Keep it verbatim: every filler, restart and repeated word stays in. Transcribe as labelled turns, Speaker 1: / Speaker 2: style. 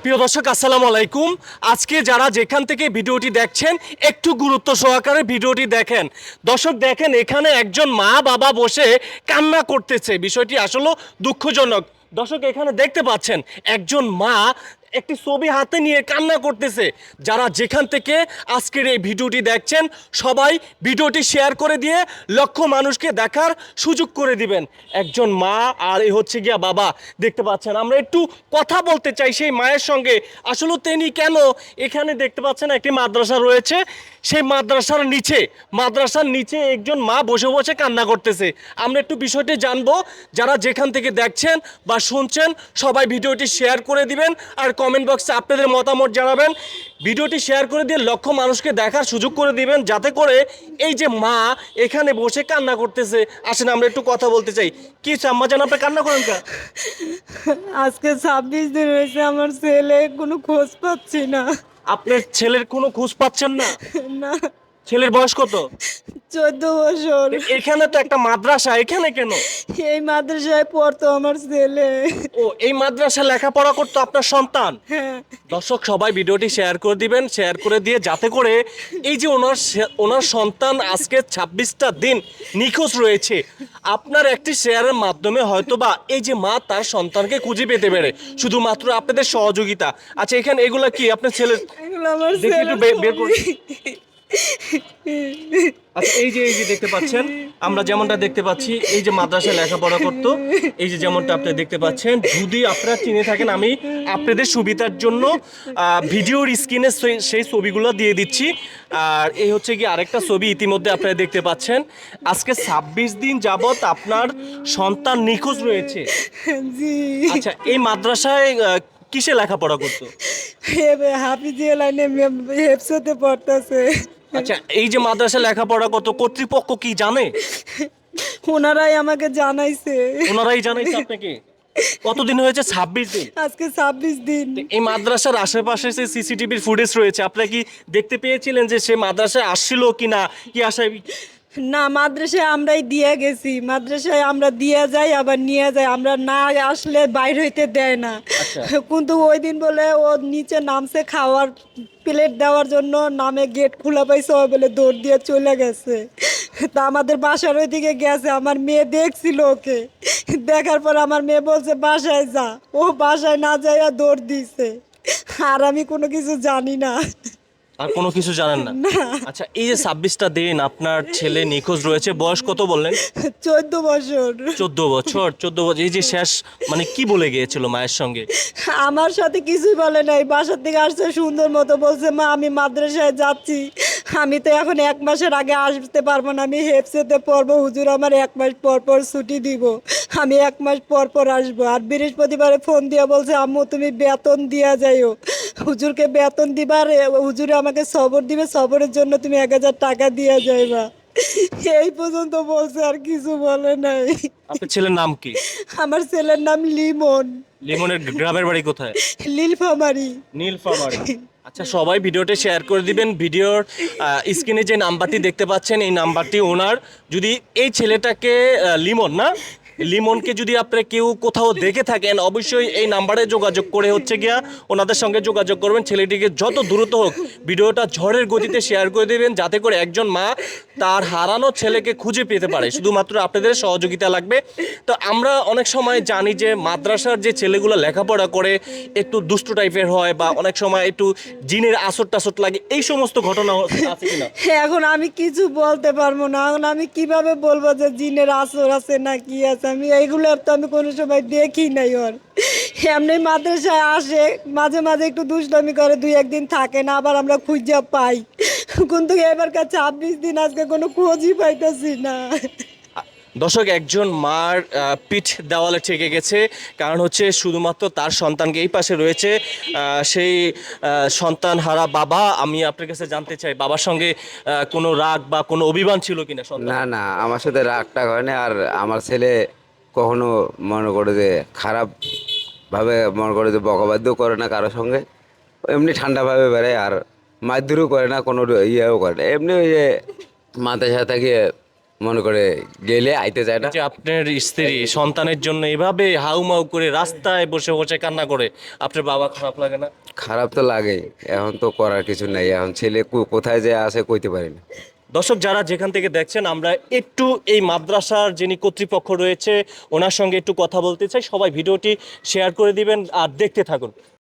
Speaker 1: প্রিয় দর্শক আসসালামু আলাইকুম। আজকে যারা যেখান থেকে ভিডিওটি দেখছেন একটু গুরুত্ব সহকারে ভিডিওটি দেখেন। দর্শক দেখেন এখানে একজন মা বাবা বসে কান্না করতেছে, বিষয়টি আসলে দুঃখজনক। দর্শক এখানে দেখতে পাচ্ছেন একজন মা একটি ছবি হাতে নিয়ে কান্না করতেছে। যারা যেখান থেকে আজকের এই ভিডিওটি দেখছেন সবাই ভিডিওটি শেয়ার করে দিয়ে লক্ষ মানুষকে দেখার সুযোগ করে দিবেন। একজন মা আর এই হচ্ছে গিয়া বাবা দেখতে পাচ্ছেন। আমরা একটু কথা বলতে চাই সেই মায়ের সঙ্গে। আসলে তিনি কেন এখানে দেখতে পাচ্ছেন একটি মাদ্রাসা রয়েছে, সেই মাদ্রাসার নিচে মাদ্রাসার নিচে একজন মা বসে বসে কান্না করতেছে। আমরা একটু বিষয়টি জানবো। যারা যেখান থেকে দেখছেন বা শুনছেন সবাই ভিডিওটি শেয়ার করে দিবেন আর কমেন্ট বক্সে আপনাদের মতামত জানাবেন। ভিডিওটি শেয়ার করে দিয়ে লক্ষ মানুষকে দেখার সুযোগ করে দিবেন, যাতে করে এই যে মা এখানে বসে কান্না করতেছে। আসেন আমরা একটু কথা বলতে চাই। কি আম্মা জান আপনি কান্না করেন কা?
Speaker 2: আজকে ছাব্বিশ দিন হয়েছে আমার ছেলে কোনো খোঁজ পাচ্ছি না।
Speaker 1: আপনার ছেলের কোনো খোঁজ পাচ্ছেন না?
Speaker 2: না,
Speaker 1: ছেলের বয়স কত?
Speaker 2: চোদ্দ বছর।
Speaker 1: এখানে তো একটা মাদ্রাসা, এখানে কেন?
Speaker 2: এই মাদ্রাসায় পড়তো আমার ছেলে।
Speaker 1: ও, এই মাদ্রাসা লেখাপড়া করতো আপনার সন্তান?
Speaker 2: হ্যাঁ,
Speaker 1: দর্শক সবাই ভিডিওটি শেয়ার করে দিবেন, শেয়ার করে দিয়ে যাতে করে এই যে ওনার সে- ওনার সন্তান আজকে ছাব্বিশটা দিন নিখোঁজ রয়েছে, আপনার একটি শেয়ারের মাধ্যমে হয়তোবা এই যে মা তার সন্তানকে খুঁজে পেতে পারে, শুধুমাত্র আপনাদের সহযোগিতা। আচ্ছা এখানে এগুলা কি আপনার ছেলের?
Speaker 2: এগুলো আমার
Speaker 1: দেখি
Speaker 2: ছেলে।
Speaker 1: একটু বে- বের করুন। আচ্ছা এই যে এই যে দেখতে পাচ্ছেন, আমরা যেমনটা দেখতে পাচ্ছি এই যে মাদ্রাসায় লেখাপড়া করতো, এই যে যেমনটা আপনারা দেখতে পাচ্ছেন। যদি আপনারা চিনে থাকেন আমি আপনাদের সুবিধার জন্য আহ, ভিডিওর স্ক্রিনে সেই- সেই ছবিগুলো দিয়ে দিচ্ছি। আর এই হচ্ছে কি আরেকটা ছবি ইতিমধ্যে আপনারা দেখতে পাচ্ছেন। আজকে ছাব্বিশ দিন যাবত আপনার সন্তান নিখোঁজ রয়েছে।
Speaker 2: জি,
Speaker 1: আচ্ছা এই মাদ্রাসায় আহ, কিসে লেখাপড়া করতো?
Speaker 2: হাফিজিয়া লাইনে হেফসতে পড়তেছে।
Speaker 1: আচ্ছা এই যে মাদ্রাসায় লেখাপড়া করতো, কর্তৃপক্ষ কি জানে?
Speaker 2: ওনারাই আমাকে জানাইছে।
Speaker 1: ওনারাই জানাইছে আপনাকে? কতদিন হয়েছে? ছাব্বিশ দিন।
Speaker 2: আজকে ছাব্বিশ দিন।
Speaker 1: এই মাদ্রাসার আশেপাশে যে সিসিটিভির ফুটেজ রয়েছে, আপনারা কি দেখতে পেয়েছিলেন যে সে মাদ্রাসায় আসছিল কিনা, কি আশায়?
Speaker 2: না, মাদ্রাসায় আমরাই দিয়ে গেছি। মাদ্রাসায় আমরা দিয়ে যাই আবার নিয়ে যাই, আমরা না আসলে বাইর হইতে দেয় না।
Speaker 1: আচ্ছা।
Speaker 2: কিন্তু ওই দিন বলে ও নিচে নামছে খাওয়ার প্লেট দেওয়ার জন্য, নামে গেট খোলা পাইছে, ও বলে দৌড় দিয়ে চলে গেছে। তা আমাদের বাসার ওইদিকে গেছে, আমার মেয়ে দেখছিল ওকে। দেখার পর আমার মেয়ে বলছে বাসায় যা, ও বাসায় না যাইয়া দৌড় দিছে। আর আমি কোনো কিছু জানি না।
Speaker 1: আর কোনো কিছু জানেন না? আচ্ছা এই যে ছাব্বিশটা দিন আপনার ছেলে নিখোঁজ রয়েছে, বয়স কত বললেন?
Speaker 2: চোদ্দ বছর।
Speaker 1: চোদ্দ বছর। চোদ্দ বছর এই যে শেষ মানে কি বলে গিয়েছিল মায়ের সঙ্গে?
Speaker 2: আমার সাথে কিছুই বলে নাই। বাসার থেকে আসছে সুন্দর মতো, বলছে মা আমি মাদ্রাসায় যাচ্ছি, আমি তো এখন এক মাসের আগে আসতে পারবো না, আমি হেফসেতে পড়বো, হুজুর আমার এক মাস পর পর ছুটি দিব, আমি এক মাস পর পর আসবো। আর বৃহস্পতিবারে ফোন দিয়ে বলছে আম্মু তুমি বেতন দিয়া যাইও, হুজুরকে বেতন দিবার, হুজুরে আমাকে সবর দিবে, সবরের জন্য তুমি এক হাজার টাকা দিয়া যাইবা। এই পর্যন্ত বলছে, আর কিছু বলে নাই।
Speaker 1: আপনার ছেলের নাম কি?
Speaker 2: আমার ছেলের নাম লিমন।
Speaker 1: লিমনের গ্রামের বাড়ি কোথায়?
Speaker 2: নীলফামারী।
Speaker 1: নীলফামারী। আচ্ছা সবাই ভিডিওটি শেয়ার করে দিবেন। ভিডিওর স্ক্রিনে যে নাম্বারটি দেখতে পাচ্ছেন এই নাম্বারটি ওনার। যদি এই ছেলেটাকে আহ, লিমন না, লিমনকে যদি আপনারা কেউ কোথাও দেখে থাকেন অবশ্যই এই নাম্বারে যোগাযোগ করে হচ্ছে গিয়া ওনাদের সঙ্গে যোগাযোগ করবেন। ছেলেটিকে যত দ্রুত হোক ভিডিওটা ঝড়ের গতিতে শেয়ার করে দেবেন, যাতে করে একজন মা তার হারানো ছেলেকে খুঁজে পেতে পারে। শুধুমাত্র আপনাদের সহযোগিতা লাগবে। তো আমরা অনেক সময় জানি যে মাদ্রাসার যে ছেলেগুলো লেখাপড়া করে একটু দুষ্টু টাইপের হয় বা অনেক সময় একটু জিনের আসর টাসর লাগে, এই সমস্ত ঘটনা আছে কিনা?
Speaker 2: এখন আমি কিছু বলতে পারবো না। এখন আমি কিভাবে বলবো যে জিনের আসর আছে না কি আছে? আমি এইগুলো তো আমি কোনো সময় দেখি নাই। ওর এমনি মাদ্রাসায় আসে, মাঝে মাঝে একটু দুষ্টামি করে, দুই একদিন থাকে না, আবার আমরা খুঁজে পাই। কিন্তু এবারকার ছাব্বিশ দিন আজকে কোনো খোঁজই পাইতেছি না।
Speaker 1: দর্শক একজন মার আহ, পিঠ দেওয়ালে ঠেকে গেছে, কারণ হচ্ছে শুধুমাত্র তার সন্তানকে এই পাশে রয়েছে আহ, সেই আহ, সন্তান হারা বাবা। আমি আপনার কাছে জানতে চাই বাবার সঙ্গে আহ, কোনো রাগ বা কোনো অভিমান ছিল কিনা সন্তান?
Speaker 3: না না, আমার সাথে রাগ টাগ হয় না। আর আমার ছেলে কখনো মনে করে যে খারাপ ভাবে মনে করে যে বকাবাদ্য করে না কারোর সঙ্গে, এমনি ঠান্ডাভাবে বেড়ায়। আর মারধরও করে না, কোনো ইয়েও করে না, এমনি ওই যে মাথায় সাথে গিয়ে মনে করে গেলে আইতে যায় না।
Speaker 1: যে আপনার স্ত্রী সন্তানের জন্য এভাবে হাউমাউ করে রাস্তায় বসে বসে কান্না করে, আপনার বাবা খারাপ লাগে না?
Speaker 3: খারাপ তো লাগেই, এখন তো করার কিছু নাই, এখন ছেলে কো- কোথায় যে আছে কইতে পারি না।
Speaker 1: দর্শক যারা যেখান থেকে দেখছেন, আমরা একটু এই মাদ্রাসার যিনি কর্তৃপক্ষ রয়েছে ওনার সঙ্গে একটু কথা বলতে চাই। সবাই ভিডিওটি শেয়ার করে দিবেন আর দেখতে থাকুন।